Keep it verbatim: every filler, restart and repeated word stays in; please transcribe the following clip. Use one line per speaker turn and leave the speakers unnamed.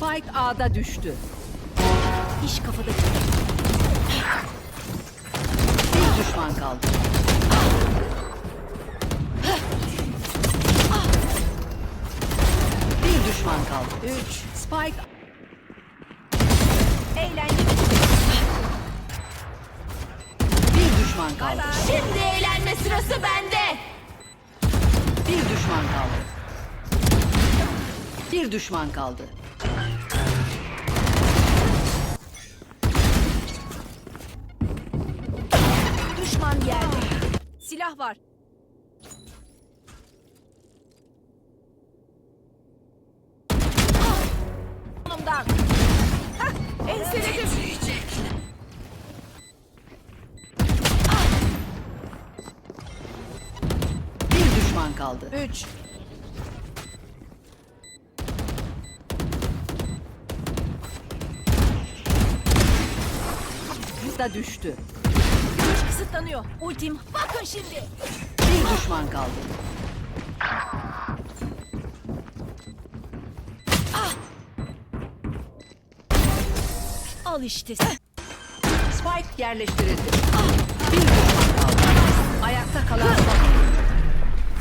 Spike A'da düştü. İş kafada. Bir düşman kaldı. Bir düşman kaldı. Üç. Spike. Eğlenceli. Bir düşman kaldı.
Şimdi eğlenme sırası bende.
Bir düşman kaldı. Bir düşman kaldı.
Düşman yerde.
Silah var.
Onumdan. Hah, enseledim.
Bir düşman kaldı.
Üç.
Da düştü.
Güç kısıtlanıyor. Ultim. Bakın şimdi.
Bir düşman kaldı.
Al işte.
Spike yerleştirildi. Bir düşman kaldı. Ayakta kalan son.